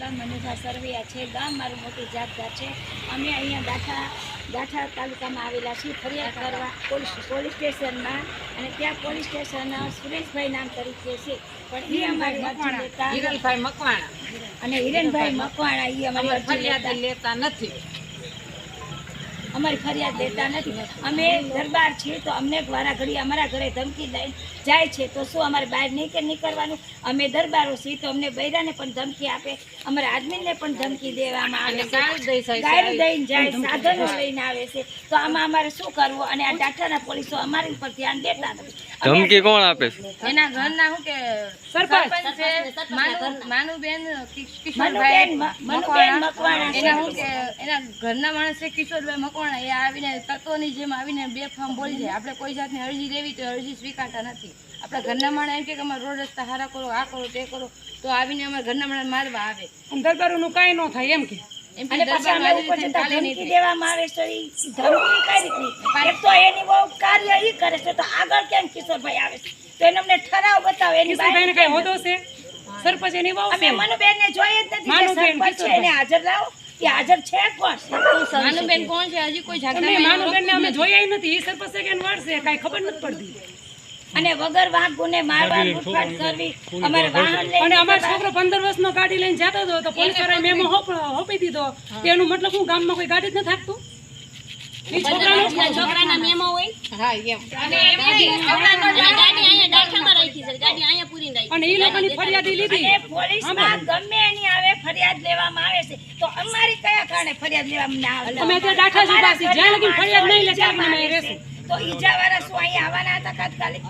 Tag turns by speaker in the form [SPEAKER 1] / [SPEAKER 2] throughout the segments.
[SPEAKER 1] ગામ મનુભા સરવૈયા છે. ગામ મારું મોટી જાતદાર છે. અમે અહીંયા ગાંઠા તાલુકામાં આવેલા છીએ ફરિયાદ કરવા પોલીસ સ્ટેશનમાં, અને ત્યાં પોલીસ સ્ટેશન સુરેશભાઈ નામ તરીકે છે, પણ એ અમારી અરજી લેતા
[SPEAKER 2] હિરલભાઈ મકવાણા
[SPEAKER 1] અને હિરેનભાઈ મકવાણા એ અમારી અરજી
[SPEAKER 2] ફરિયાદ લેતા નથી.
[SPEAKER 1] અમારી ફરિયાદ લેતા નથી. અમે દરબાર છીએ તો અમને વારા ઘડી અમારા ઘરે ધમકી લઈને જાય છે, તો શું અમારે બહાર નહીં નીકળવાનું? અમે દરબારો છીએ તો અમને બૈરાને પણ ધમકી આપે, અમારા આદમીને પણ ધમકી દેવામાં આવે છે, ગાડી દઈને જાય, સાધનો લઈને આવે છે. તો આમાં અમારે શું કરવું? અને આ ડાટાના પોલીસો અમારી ઉપર ધ્યાન દેતા નથી.
[SPEAKER 3] ધમકી કોણ આપે છે?
[SPEAKER 2] એના ઘરના શું કે સરપંચ છે માનુબેન કિશોરભાઈ મકવાણા, એના શું કે એના ઘરના માણસ છે કિશોરભાઈ મકવાણા, એ આવીને તત્વોની જેમ આવીને બેફામ બોલી જાય. આપણે કોઈ જાતની અરજી લેવી તો અરજી સ્વીકારતા નથી. આપણા ઘરના માણસ એમ કે અમારે રોડ રસ્તા સારા કરો, આ કરો તે કરો, તો આવીને અમારા ઘરના માણસ મારવા આવે. દરબારોનું કાંઈ ન થાય એમ કે
[SPEAKER 1] અને પછી અમે ઉપર જતા ધમકી દેવામાં આવે છે. ધમકી કઈ રીતની? એક તો એની બહુ કાર્ય ઈ કરે છે, તો આગળ કેમ કિશોરભાઈ આવે છે? તો એને અમને ઠરાવ બતાવો. એની
[SPEAKER 2] કિશોરભાઈને કઈ હોદો છે? સરપંચ એની બહુ
[SPEAKER 1] અમે મનુબેનને જોઈએ જ નથી. સરપંચ છે એને હાજર લાવો. એ હાજર છે કોણ?
[SPEAKER 2] માનુબેન કોણ છે? હજી કોઈ જાગતા માનુબેનને અમે જોયા નથી. એ સરપંચ છે કે વડ છે કાઈ ખબર નથી પડતી.
[SPEAKER 1] અને વગર વાંક ગુને મારવા લૂંટફાટ કરવી. અમારે વાહન લઈને
[SPEAKER 2] અને અમારો છોકરો 15 વર્ષનો ગાડી લઈને જતો હતો તો પોલીસ વાળાએ મેમો હોપી દીધો. તેનું મતલબ હું ગામમાં કોઈ ગાડી જ ન થાકતું. એ છોકરાના મેમો હોય. હા એમ. અને
[SPEAKER 4] ગાડી અહીંયા ડાઠામાં રાખી છે, ગાડી અહીંયા પૂરી રાખી.
[SPEAKER 2] અને એ લોકોની ફરિયાદી લીધી.
[SPEAKER 1] અને પોલીસમાં ગમે એની આવે ફરિયાદ લેવામાં આવે છે, તો અમારી કયા કારણે ફરિયાદ લેવામાં ના આવે?
[SPEAKER 2] અમે ત્યાં ડાઠા જ ઉભા છીએ. જ્યાં લગી ફરિયાદ નહીં લે ત્યાં અમે રહેશું.
[SPEAKER 1] તો ઈજાવાળા શું અહીંયા આવવાના હતા તાત્કાલિક?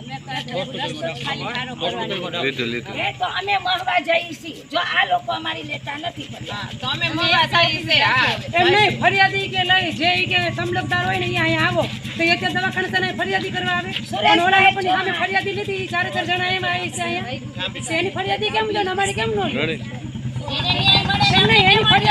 [SPEAKER 1] તો અમે મળવા જઈએ છીએ. જો આ લોકો અમારી લેતા નથી
[SPEAKER 2] તો અમે મળવા જઈએ છીએ. એમ નહીં ફરિયાદી કે લઈ જે કે સમલકદાર હોય ને અહીંયા આવો તો એક દવાખાને તને ફરિયાદી કરવા આવે. પણ ઓલા લોકોની સામે ફરિયાદી લીધી 4 જણા એમ આવી છે અહીંયા. એની ફરિયાદી કેમ લો ને અમારી કેમ નો લે? એની ફરિયાદ